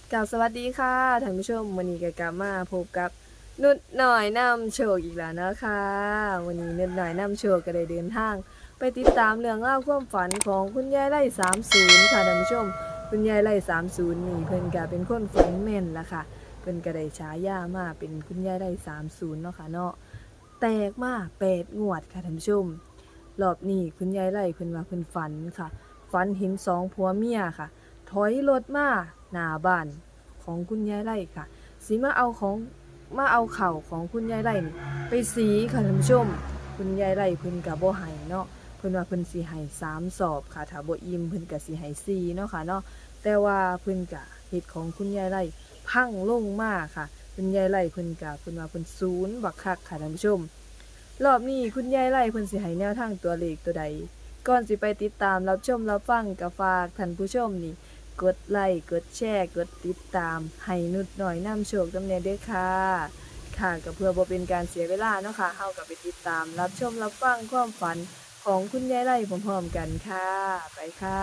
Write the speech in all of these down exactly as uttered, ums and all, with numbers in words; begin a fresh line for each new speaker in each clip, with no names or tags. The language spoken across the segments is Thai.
กล่าวสวัสดีค่ะท่านผู้ชมวันนี้ก็กลับมาพบกับนุดหน่อยนำโชคอีกแล้วนะคะวันนี้นุดหน่อยนำโชคก็ได้เดินทางไปติดตามเรื่องเล่าวความฝันของคุณยายไร่สามศูนย์ค่ะท่านผู้ชมคุณยายไร่สามศูนย์นี่เพิ่นก็เป็นคนฝันแม่นละค่ะเพิ่นก็ได้ฉายามาเป็นคุณยายไร่สามศูนย์เนาะค่ะเนาะแตกมาแปดงวดค่ะท่านผู้ชมรอบนี้คุณยายไร่เพิ่นว่าเพิ่นฝันค่ะฝันเห็นสองผัวเมียค่ะถอยรถมาหน้าบ้านของคุณยายไร่ค่ะสิมาเอาของมาเอาเข่าวของคุณยายไร่นี่ไปสีค่ะท่านผู้ชมคุณยายไร่เพิ่นก็บ่ให้เนาะเพิ่นว่าเพิ่นสิให้สามสอบค่ะถ้าบ่อิ่มเพิ่นก็สิให้สี่เนาะค่ะเนาะแต่ว่าเพิ่นก็เฮ็ดของคุณยายไร่พังลงมาค่ะคุณยายไร่เพิ่นก็เพิ่นว่าเพิ่นศูนย์บักคักค่ะท่านผู้ชมรอบนี้คุณยายไร่เพิ่นสิให้แนวทางตัวเลขตัวใดก่อนสิไปติดตามรับชมรับฟังก็ฝากท่านผู้ชมนี่กดไลค์กดแชร์กดติดตามให้นุดหน่อยนำโชคจำเนียด้วยค่ะค่ะก็เพื่อบ่เป็นการเสียเวลาเนาะค่ะเฮาก็ไปติดตามรับชมรับฟังความฝันของคุณยายไร่พร้อมๆกันค่ะไปค่ะ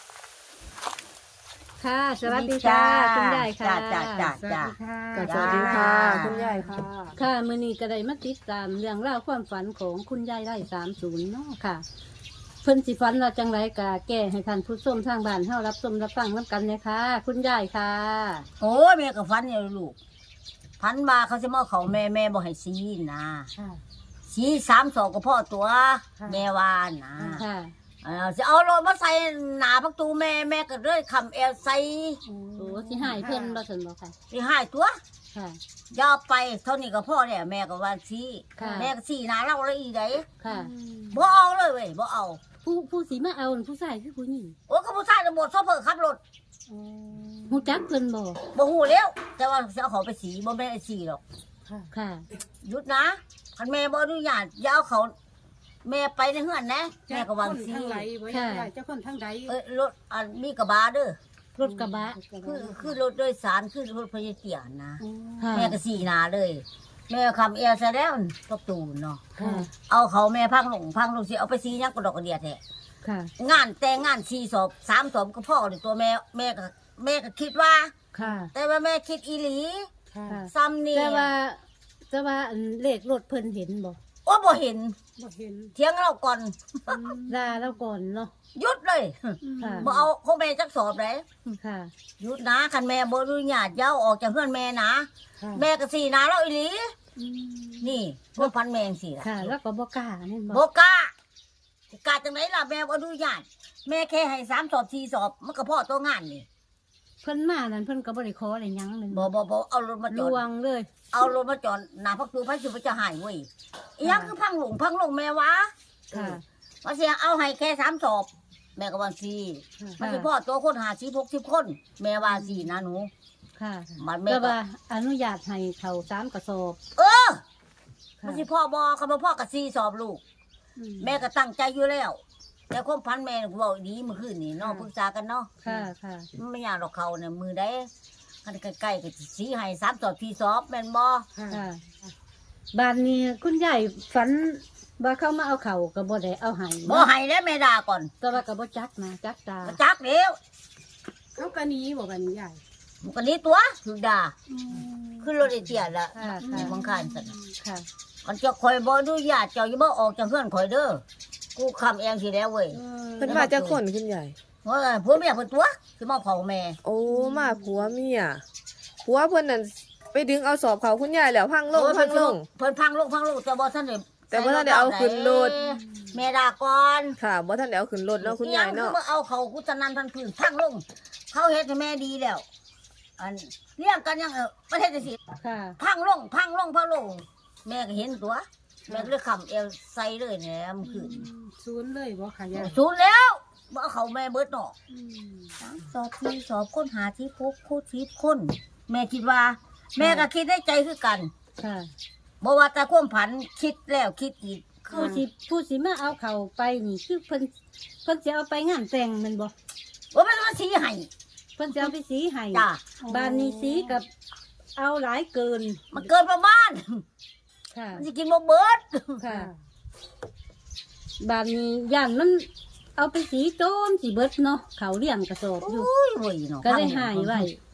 ค่ะ สวัสดีค่ะคุณยายค่ะ
จ้าจ้าจ้า
สวัสดีค่ะ
ก็สวัสดีค่ะคุณยายค่ะ
ค่ะมื้อนี้ก็ได้มาติดตามเรื่องราวความฝันของคุณยายไร่สามศูนย์เนาะค่ะเพิ่นสิฝันว่าจังไรกะแก้ให้ท่านผู้ชมทางบ้านเฮารับชมรับฟังนํกันเลยค่ะ คุณยายค่ะ
โอ้ยแม่ก็ฟันอยู่ลูกพันมาเขาจะมาเขาแม่แม่บ่ให้ซีนะซีสามสองก็พ่อตัวแม่วานนะ
ค่ะ
เออจะเอารถมาใส่หนาประตูแม่แม่ก็เลยคำเอลใส่
โอ้สิหายเพิ่นบ่ซั่นบ่ค่ะ
ที่ให้ตัว
ค่ะ
ยาวไปเท่านี้ก็พ่อเนี่ยแม่ก็ว่าซี
ค่ะ
แม่ก็ซีหนาเราเลยอีได
ค่ะ
บ่เอาเลยเว้ยบ่เอา
ผู้ผู้สิมาเอานั่นผู้ชายคือผู้หญิง
โอ้ก็ผู้ชายจะหมดโซเฟอร์ขับรถ
ฮู้จักเพิ่นบ่
บ่ฮู้แล้วแต่ว่าจะเอาเขาไปสีบ่แม่นไอ้สีหรอก
ค่ะ
หยุดนะคันแม่บ่อนุญาตอย่าเอาเขาแม่ไปในเฮือนนะแม่ก็วางซี
ทั้งไหลไว้
ค่ะ
เจ้าคนทั้งใด
เอ้ยรถอันมีกระบะเด้อ
รถกระบะ
คือคือรถโดยสารคือรถพยาเตียนนะ
ค่ะ
แม่ก็สีหนาเลย แม่คำเอลซะแล้วประตูเนาะ
ค่ะ
เอาเขาแม่พังลงพังลงสิเอาไปซียักกระดอกกระเดียดแท้
ค่ะ
งานแต่งงานสี่ศพสามศพก็พ่อเลยตัวแม่แม่ก็แม่ก็คิดว่า
ค่ะ
แต่ว่าแม่คิดอีหลี
ค่ะ
ค่ะ
ซ้ำนี่
แต่ว่าแต่ว่าอันเลขรถเพิ่นเห็นบ่
โอ้บ่เห็น
บ่เห็น
เถียงเราก่อน
ลาแล้วก่อนเนาะ
หยุดเลย
ค่ะ
บ่เอาของแม่จักสอบเลย
ค่ะ
หยุดนะคันแม่บ่อนุญาตอย่าเอาออกจากเพื่อนแม่นะ
ค่ะ
แม่ก็สีหนาเราอีหลี นี่พวกพันแมงสิล่ะ
ค่ะ แล้วก็บ่กล้าแม่น
บ
บ่
กล้ากล้าจังไหนล่ะแม่บ่อนุญาตแม่แค่ให้สามสอบสี่สอบมันก็พอตัวงานนี่
เพิ่นมานั่นเพิ่นก็บ่ได้ขออะไรหยังแม่น
บ่บ่บ่เอารถมาจ
ล
อด
วงเลย
เอารถมาจอดหน้าพักตูพักสิบ่จะหายเว้ยอีหยังคือพังหลงพังหลงแม่วะ
ค่ะ
ว่าเสียเอาให้แค่สามสอบ แม่ก็ว่าสี่มันสิพ่อตัวคนหาสิบหกสิบคน แม่ว่าสี่นะหนู
ค่ะ
มันแม่
แต่
ก็
ว่าอนุญาตให้เขาสามกระสอบ
เออ
ค่ะ
มันสิพ่อบ่คำว่าพ่อกับสี่สอบลูก
อืม
แม่ก็ตั้งใจอยู่แล้ว แต่ความพันแม่ก็บอกดีเมื่อคืนนี่เนาะปรึกษากันเนาะ
ค่ะค่ะ
มันไม่ยากหรอกเขาเนี่ยมือได้กันใกล้ๆก็สิสีให้สามสอบที่สอบแม่นบ่
ค่ะ
ค่ะบ้านนี้คุณยายฝันว่าเขามาเอาเขาก็บ่ได้เอาให้
บ่ให้แล้วแม่ด่าก่อน
แต่ว่าก็บ่จักนะจักตา
ก็จักเดียว
เขาก็หนี้บ่กันใหญ่
มันก็นี้ตัวถูกด่าขึ้นรถไอ้เตี้ยละ
ค่ะ
ใน
ค่ะ
บังคารสั่น
ค่ะ
มันจะคอยบ่อนุญาตเจ้าอย่าบ่ออกจากเฮือนข่อยเด้อกูคำเองสิแล้วเว้ย
เพิ่นมาจากคนคุณยาย
ว่าผัวเมียเพิ่นตัวสิมาเผาแม่
โอ้มาผัวเมียผัวเพิ่นนั่นไปดึงเอาสอบเขาคุณยายแล้วพังลง
โอ้ย
พังลง
เพิ่นพังลงพังลงแต่บ่ทันได้
แต่บ่ทันได้เอาขึ้นรถ
แม่ด่าก่อน
ค่ะบ่ทันได้เอาขึ้นรถเนาะคุณยายเนาะ
อีหงคือเอาเขากุศนันทันพื้นพังลง เขาเฮ็ดให้แม่ดีแล้ว อันเลี้ยงกันยังเออประเทศจังซี่
ค่ะ
พังลงพังลงพังลง แม่ก็เห็นตัว แม่ก็เลยขำเอวใส่เลยแหนมนขึ้น
ศูนย์เลยบ่ค่ะยาย
สูนแล้วบ่เอาเขาแม่เบิดเนาะ
อืม
สามสอบสี่สอบค้นหาที่พบคู่ชีพคนแม่คิดว่า แม่ก็คิดได้ใจคือกัน
ค่ะ
บ่ว่าแต่ความผันคิดแล้วคิดอีก
ผู้สิผู้สิมาเอาเขาไปนี่คือเพิ่นเพิ่นสิเอาไปงานแต่งแม่นบ่
ว่ามันมาสีให้
เพิ่นสิเอาไปสีให้
จ้า
บ้านนี้สีกับเอาหลายเกิน
มันเกินประมาณ
ค่ะ
มันสิกินบ่เบิด
ค่ะ บ้านนี้ย่านมันเอาไปสีโจมสิเบิดเนาะเขาเลี้ยงกระสอบอยู่
อุ้ยเว้ยเนาะ
ก็ได้หายไว้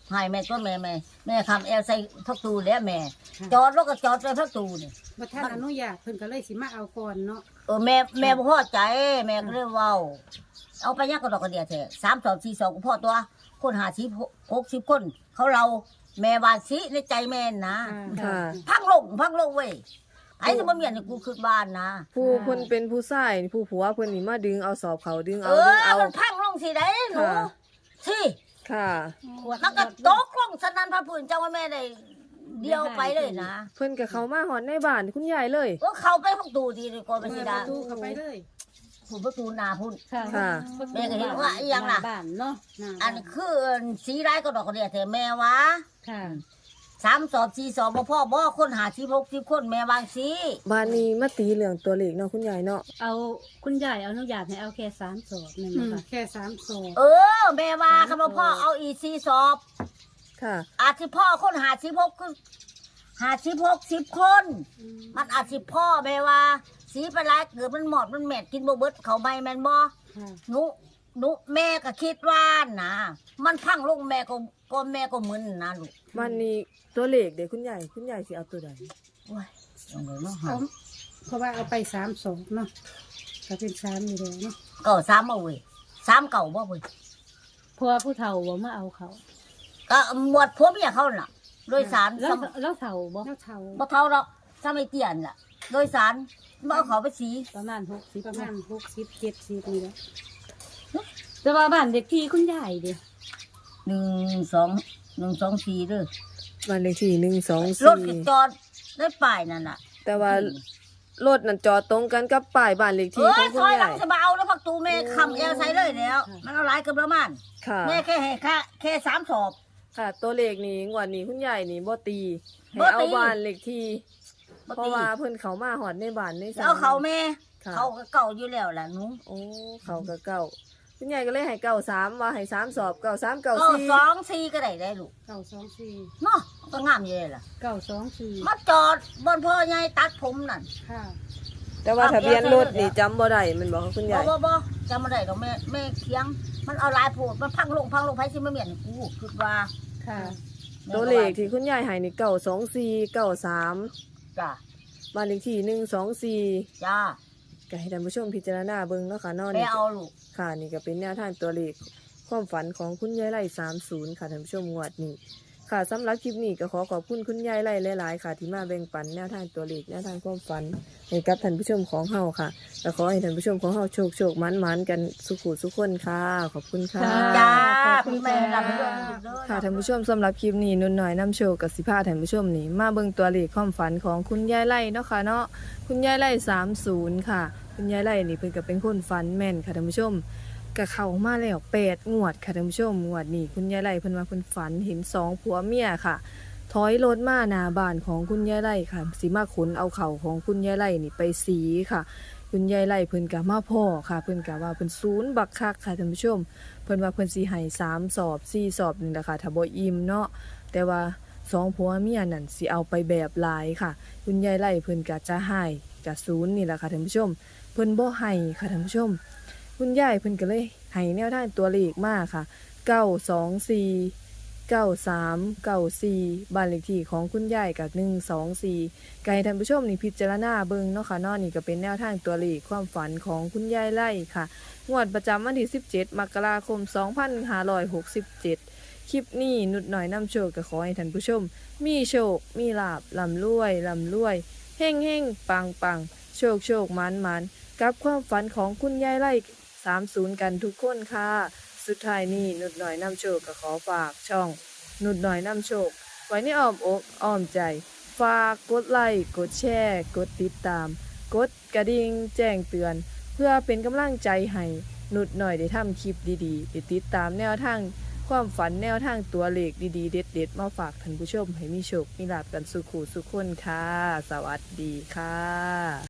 ให้แม่ตัวแม่แม่แม่คำแอลใส่พักตูแล้วแม่ จอดรถก็จอดไปพักตูนี่
บ่ท่านอนุญาตเพิ่นก็เลยสิมาเอาก่อนเนาะ
เออแม่แม่บ่พอใจแม่ก็เลยเว้าเอาไปยักกระดอกกระเดียแท้สามสองสี่สองก็พอตัว คนหาสิบหกสิบคน เขาเราแม่วานสิในใจแม่นะ
ค่ะ
พังลงพังลงเว้ยไอ้ที่มาเมียนกูคือบ้านนะ
ผู้เพิ่นเป็นผู้ชายนี่ผู้ผัวเพิ่นนี่มาดึงเอาสอบเขาดึง
เอ
เอาดึง
อ
เอา
มันพังลงสิได้หนู
ค่ะ
สิ
ค่ะ
มันก็ตกลงสนั่นพระพื้นเจ้าว่าแม่ได้เดียวไปเลยนะ
เพิ่นกับเขามาหอดในบ้านคุณยายเลย
ก็เข้าไปพักตูทีดีกว่าไป
เปิ
สิ
ดป
ดา
ระตูเข้าไปเลย
ผมประตูนาพุ่น
ค่ะ
ค่ะ
แม่ก็เห็นว่าอีหยังน่ะ
บ้านเนาะ
หน้า
อันคือสีร้ายก็ดอกกระเดียแต่แม่วะ
ค่ะ
สามสอบสี่สอบบ่พ่อบ่คนหาสิบหกสิบคนแม่วางสี
บ้านนี้มาตีเรื่องตัวเลขเนาะคุณยายเนาะ
เอาคุณยายอนุญาตให้เอาแค่สามสอบนี่
อื
นะ
ม
คะ
แค่สามศอก
เออ แม่ว่าคำว่าพ่อเอาอีสี่สอบ
ค่ะ
อาจสิพ่อคนหาสิบหกคือหาสิบหกสิบคน มันอาจสิพ่อแม่ว่าสีไปหลายเกิดมันหมอดมันแมดกินบ่เบิดเขาไม่แม่นบ่
ค่ะ
หนูหนูแม่ก็คิดว่านะมันพังลงแม่ก็ก็แม่ก็มึนนะลูก
บ้านนี้ตัวเลขเด็กคุณยายคุณยายสิเอาตัวใด
โอ้ยยังไงเนาะ
เอาเพราะว่าเอาไปสามศอกเนาะก็เป็นสามอยู่แล้วเนาะ
เก่าสามเอาเว้ยสามเก่าบ่เว้ย
เพราะว่าผู้เฒ่าบ่มาเอาเขา
ก็หมวดพวกเมียเขาน่ะ โดยสาร
แล้ว
ซ้
แล้วเฒ่าบ่
แล้วเท่า
ำบ่เท่าหรอกซ้ำไม่เตียนล่ะ โดยสารบ่เอาเขาไปสี
ประมาณหกสิบ
ประมาณหกสิบเจ็ดสิบนี่แหละ
แต่ว่าบ้านเด็กที่คุณยายดิ
หนึ่งสองหนึ่งสองสี่เด้อ
บ้านเลขที่หนึ่งสอง
รถ
สี่
ก็จอดได้ป้ายนั่นน่ะ
แต่ว่ารถนั่นจอดตรงกันกับป้ายบ้านเลข
เอ
ที่
อ
ของคุ
ซ
ณ
อยหลั
ยาง ย
จะมาเอาแล้วพักตูแม่คำเอลใส่เลยแล้ว มันเอาหลายเกือบประมาณ
ค่ะ
แม่แค่ให้ค่าแค่สามสอบ
ค่ะ ตัวเลขนี้งวดนี้คุณยายนี่บ่ตีให้
บ่ตี
เอาบ้านเลขที่
บ่
เพราะ
ตี
ว่าเพิ่นเขามาหอดในบ้านในศล
แล้วเขาแม่
ค่ะ
เขาก็เก่าอยู่แล้วล่ะหนู
โอ้เขาก็เก่าคุณยายก็เลยให้เก่าสามว่าให้สามสอบเก่าสามเก่า
ก็
สี่
สองสี่ก็ได้ได้ลูก
เก้าสองสี่
เนาะก็งามอยู่เลยล่ะ
เก้าสองสี่
มาจอดบนพ่อใหญ่ตัดผมนั่น
ค่ะ
แต่ว่าทะเบียนรถนี่จำบ่ได้แมันบอกคุณ
บ่
ยาย
บ่บ่จำมาได้ดอกแม่แม่เคียง มันเอาหลายโพดมันพังลงพังลงไผสิมาเมียนกูคิดว่า
ค่ะ
แม่
ตัวเลขที่คุณยายให้นี่เก่าสองสี่เก่าสาม
จ้า
บ้านเลขที่หนึ่งสองสี่
จ้า
ก็ให้ท่านผู้ชมพิจารณาเบิ่งเนาะค่ะเนอน
แม่
นี่
เอาลูก
ค่ะนี่ก็เป็นแนวทางตัวเลขความฝันของคุณยายไร่สามศูนย์ค่ะท่านผู้ชมงวดนี้ค่ะสำหรับคลิปนี้ก็ขอขอบคุณคุณยายไร่หลายๆค่ะ ที่มาแบ่งปันแนวทางตัวเลขแนวทางความฝันให้กับท่านผู้ชมของเฮาค่ะก็ขอให้ท่านผู้ชมของเฮาโชคโชคมันมันๆกันสุขุสุขคนค่ะขอบคุณค่ะ
จ้า
ขอบคุ
คุณ
ณ
แม่
ค่ะ
รับเรื่องลูกเด้อ
ค่ะท่านผู้ชมสำหรับคลิปนี้นุ่นหน่อยน้ำโชว์กับสิพาท่านผู้ชมนี่มาเบิ่งตัวเลขความฝันของคุณยายไร่เนาะค่ะเนาะคุณยายไร่สามศูนย์ค่ะ คุณยายไร่นี่เพิ่นก็เป็นคนฝันแม่นค่ะท่านผู้ชมก็เข้ามาแล้วแปดงวดค่ะท่านผู้ชมงวดนี้คุณยายไร่เพิ่นว่าเพิ่นฝันเห็นสองผัวเมียค่ะ ถอยรถมาหน้าบ้านของคุณยายไร่ค่ะสิมาขนเอาเข่าวของคุณยายไร่นี่ไปสีค่ะ คุณยายไร่เพิ่นก็มาพ่อค่ะ เพิ่นก็ว่าเพิ่นศูนย์บักคักค่ะท่านผู้ชม เพิ่นว่าเพิ่นสิให้สามสอบสี่สอบนี่แหละค่ะถ้าบ่อิ่มเนาะแต่ว่าสองผัวเมียนั่นสิเอาไปแบบหลายค่ะ คุณยายไร่เพิ่นก็จะให้ก็ศูนย์นี่แหละค่ะท่านผู้ชม เพิ่นบ่ให้ค่ะท่านผู้ชม คุณยายเพิ่นก็เลยให้แนวทางตัวเลขมาค่ะเก้าสองสี่เก้าสามเก้าสี่บ้านเลขที่ของคุณยายกับหนึ่งสองสี่ก็ให้ท่านผู้ชมนี่พิจารณาเบิ่งเนาะค่ะเนาะนี่ก็เป็นแนวทางตัวเลขความฝันของคุณยายไร่ค่ะ งวดประจำวันที่สิบเจ็ดมกราคมสองพันห้าร้อยหกสิบเจ็ดคลิปนี้นุดหน่อยนำโชคก็ขอให้ท่านผู้ชม มีโชค มีลาบลำรวยลำรวยเฮ่งเฮ่งปังปังโชคโชคมันมันกับความฝันของคุณยายไร่สามศูนย์กันทุกคนค่ะ สุดท้ายนี้นุดหน่อยนำโชคก็ขอฝากช่อง นุดหน่อยนำโชค ไว้ในอ้อมอกอ้อมใจ ฝากกดไลค์กดแชร์กดติดตาม กดกระดิ่งแจ้งเตือน เพื่อเป็นกำลังใจให้นุดหน่อยได้ทำคลิปดีๆได้ติดตามแนวทางความฝันแนวทางตัวเลขดีๆ เด็ดๆ มาฝากท่านผู้ชมให้มีโชค มีลาภกันสุขุสุขคนค่ะ สวัสดีค่ะ